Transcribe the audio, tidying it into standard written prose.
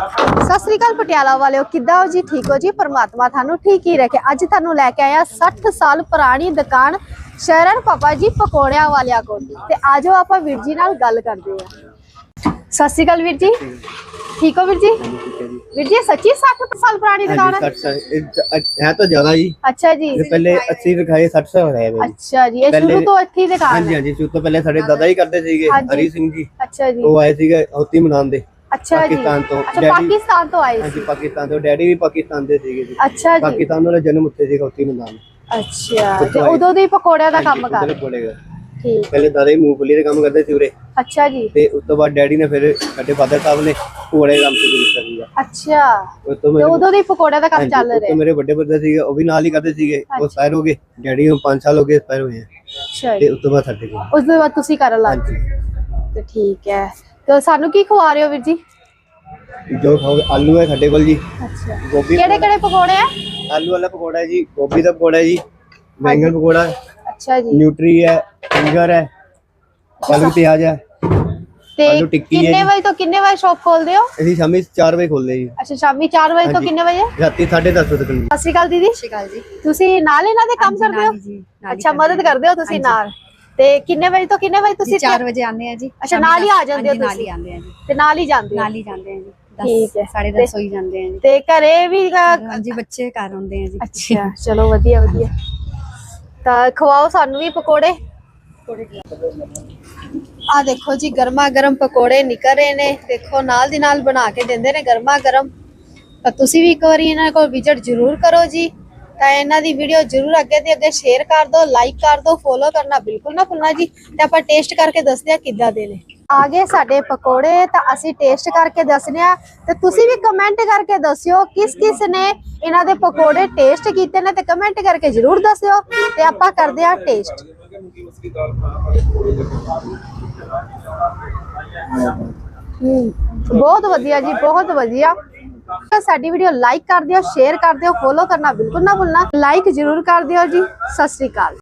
सत श्री अकाल पटियाला वाले किद्दां हो जी? ठीक हो जी? परमात्मा थानू ठीक ही रखे। अज थानू लैके आया 60 साल पुरानी दुकान शरण पापा जी पकौड़ियां वालिया को। ते आजो आपां वीर जी नाल गल करदे आ। सत श्री अकाल वीर जी, ठीक हो वीर जी? वीर जी सच्ची 60 साल पुरानी दुकान है तो ज्यादा जी। अच्छा जी, पहले 80 दिखाए 60 साल है। अच्छा जी, ये शुरू तो अच्छी दुकान है। हां जी, शुरू तो पहले साडे दादा ही करते सीगे, हरी सिंह जी। अच्छा जी, वो आए सीगे होती मनान दे। अच्छा पाकिस्तान तो अच्छा, पाकिस्तान तो आए जी, पाकिस्तान तो डैडी भी पाकिस्तान दे सीगे जी। अच्छा जी, पाकिस्तान ਦਾ ਜਨਮ ਉੱਥੇ ਸੀਗਾ ਹੋਤੀ ਮਨਾਨ। अच्छा ਤੇ ਉਦੋਂ ਦੇ ਪਕੌੜਿਆਂ ਦਾ ਕੰਮ ਕਰ ਠੀਕ। ਪਹਿਲੇ ਦਾਦਾ ਹੀ ਮੂੰਗਫਲੀ ਦਾ ਕੰਮ ਕਰਦੇ ਸੀ ਉਰੇ। ਅੱਛਾ ਜੀ, ਤੇ ਉਸ ਤੋਂ ਬਾਅਦ ਡੈਡੀ ਨੇ ਫਿਰ ਸਾਡੇ ਫਾਦਰ ਸਾਹਿਬ ਨੇ ਪਕੌੜੇ ਦਾ ਕੰਮ ਸ਼ੁਰੂ ਕੀਤਾ ਸੀਗਾ। ਅੱਛਾ ਉਸ ਤੋਂ ਤੇ ਉਦੋਂ ਦੇ ਪਕੌੜਿਆਂ ਦਾ ਕੰਮ ਚੱਲ ਰਿਹਾ। ਮੇਰੇ ਵੱਡੇ ਬ੍ਰਦਰ ਸੀਗੇ ਉਹ ਵੀ ਨਾਲ ਹੀ ਕਰਦੇ ਸੀਗੇ। ਉਹ ਐਕਸਪਾਇਰ ਹੋ ਗਏ, ਡੈਡੀ ਨੂੰ 5 ਸਾਲ ਹੋ ਗਏ ਐਕਸਪਾਇਰ ਹੋਏ। ਅੱਛਾ ਤੇ ਉਸ ਤੋਂ ਬਾਅਦ ਸਾਡੇ ਕੋਲ ਉਸ ਤੋਂ ਬਾਅਦ ਤੁਸੀਂ ਕਰਨ ਲੱਗ ਗਏ ਤੇ ਠੀਕ ਹੈ। ਤੇ ਸਾਨੂੰ ਕੀ ਖਵਾ ਰਹੇ ਹੋ ਵੀਰ ਜੀ? ਜੋ ਖਾਓਗੇ ਆਲੂ ਹੈ ਸਾਡੇ ਕੋਲ ਜੀ। ਅੱਛਾ, ਗੋਭੀ ਕਿਹੜੇ ਕਿਹੜੇ ਪਕੌੜੇ ਆ? आलू वाला पकौड़ा है जी, गोभी का पकौड़ा है जी, बैंगन पकौड़ा है, अच्छा जी, न्यूट्री है, फिंगर है, पालक प्याज है, ਤੇ ਆਲੂ ਟਿੱਕੀ ਹੈ ਕਿੰਨੇ ਵਜੇ ਤੋਂ ਕਿੰਨੇ ਵਜੇ ਸ਼ਾਪ ਖੋਲਦੇ ਹੋ? ਅਸੀਂ ਸ਼ਾਮੀ 4 ਵਜੇ ਖੋਲਦੇ ਜੀ। ਅੱਛਾ, ਸ਼ਾਮੀ 4 ਵਜੇ ਤੋਂ ਹਾਂਜੀ। ਕਿੰਨੇ ਵਜੇ? ਰਾਤੀ 10:30 ਵਜੇ ਤੱਕ। ਸਤਿ ਸ਼੍ਰੀ ਅਕਾਲ ਦੀਦੀ। ਸਤਿ ਸ਼੍ਰੀ ਅਕਾਲ ਜੀ। ਤੁਸੀਂ ਨਾਲ ਇਹਨਾਂ ਦੇ ਕੰਮ ਕਰਦੇ ਹੋ? ਅੱਛਾ, ਮਦਦ ਕਰਦੇ ਹੋ ਤੁਸੀਂ ਨਾਲ। ਤੇ ਕਿੰਨੇ ਵਜੇ ਤੋਂ ਕਿੰਨੇ ਵਜੇ ਤੁਸੀਂ? 4 ਵਜੇ ਆਉਂਦੇ ਆ ਜੀ। ਅੱਛਾ, ਨਾਲ ਹੀ ਆ ਜਾਂਦੇ ਹੋ ਨਾਲ ਹੀ ਤੁਸੀਂ? ਆਉਂਦੇ ਆ ਜੀ। ਤੇ ਨਾਲ ਹੀ ਜਾਂਦੇ ਹੋ? ਨਾਲ ਹੀ ਜਾਂਦੇ ਆ ਜੀ। ਠੀਕ ਹੈ, 10:30 ਹੋਈ ਜਾਂਦੇ ਆ ਜੀ। ਤੇ ਘਰੇ ਵੀ ਹਾਂਜੀ, ਬੱਚੇ ਘਰ ਆਉਂਦੇ ਆ ਜੀ। ਅੱਛਾ, ਚਲੋ ਵਧੀਆ ਵਧੀਆ। ਤਾਂ ਖਵਾਓ ਸਾਨੂੰ ਵੀ ਪਕੌੜੇ। ਆ ਦੇਖੋ ਜੀ, ਗਰਮਾ ਗਰਮ ਪਕੌੜੇ ਨਿਕਲ ਰਹੇ ਨੇ। ਦੇਖੋ ਨਾਲ ਦੀ ਨਾਲ ਬਣਾ ਕੇ ਦਿੰਦੇ ਨੇ ਗਰਮਾ ਗਰਮ। ਤਾਂ ਤੁਸੀਂ ਵੀ ਇੱਕ ਵਾਰੀ ਇਹਨਾਂ ਕੋਲ ਵਿਜ਼ਿਟ ਜ਼ਰੂਰ ਕਰੋ ਜੀ। ਤਾਂ ਇਹਨਾਂ ਦੀ ਵੀਡੀਓ ਜ਼ਰੂਰ ਅੱਗੇ ਤੇ ਅੱਗੇ ਸ਼ੇਅਰ ਕਰ ਦਿਓ, ਲਾਈਕ ਕਰ ਦਿਓ, ਫੋਲੋ ਕਰਨਾ ਬਿਲਕੁਲ ਨਾ ਭੁੱਲਣਾ ਜੀ। ਤੇ ਆਪਾਂ ਟੇਸਟ ਕਰਕੇ ਦੱਸਦੇ ਆ ਕਿੱਦਾਂ ਦੇ ਨੇ। ਆ ਗਏ ਸਾਡੇ ਪਕੌੜੇ, ਤਾਂ ਅਸੀਂ ਟੇਸਟ ਕਰਕੇ ਦੱਸਨੇ ਆ। ਤੇ ਤੁਸੀਂ ਵੀ ਕਮੈਂਟ ਕਰਕੇ ਦੱਸਿਓ ਕਿਸ ਕਿਸ ਨੇ ਇਹਨਾਂ ਦੇ ਪਕੌੜੇ ਟੇਸਟ ਕੀਤੇ ਨੇ, ਤੇ ਕਮੈਂਟ ਕਰਕੇ ਜ਼ਰੂਰ ਦੱਸਿਓ। ਤੇ ਆਪਾਂ ਕਰਦੇ ਆ ਟੇਸਟ। ਬਹੁਤ ਵਧੀਆ ਜੀ, ਬਹੁਤ ਵਧੀਆ। ਸਾਡੀ ਵੀਡੀਓ ਲਾਈਕ ਕਰ ਦਿਓ, ਸ਼ੇਅਰ ਕਰ ਦਿਓ, ਫੋਲੋ ਕਰਨਾ ਬਿਲਕੁਲ ਨਾ ਭੁੱਲਣਾ। ਲਾਈਕ ਜ਼ਰੂਰ ਕਰ ਦਿਓ ਜੀ। ਸਤਿ ਸ਼੍ਰੀ ਅਕਾਲ।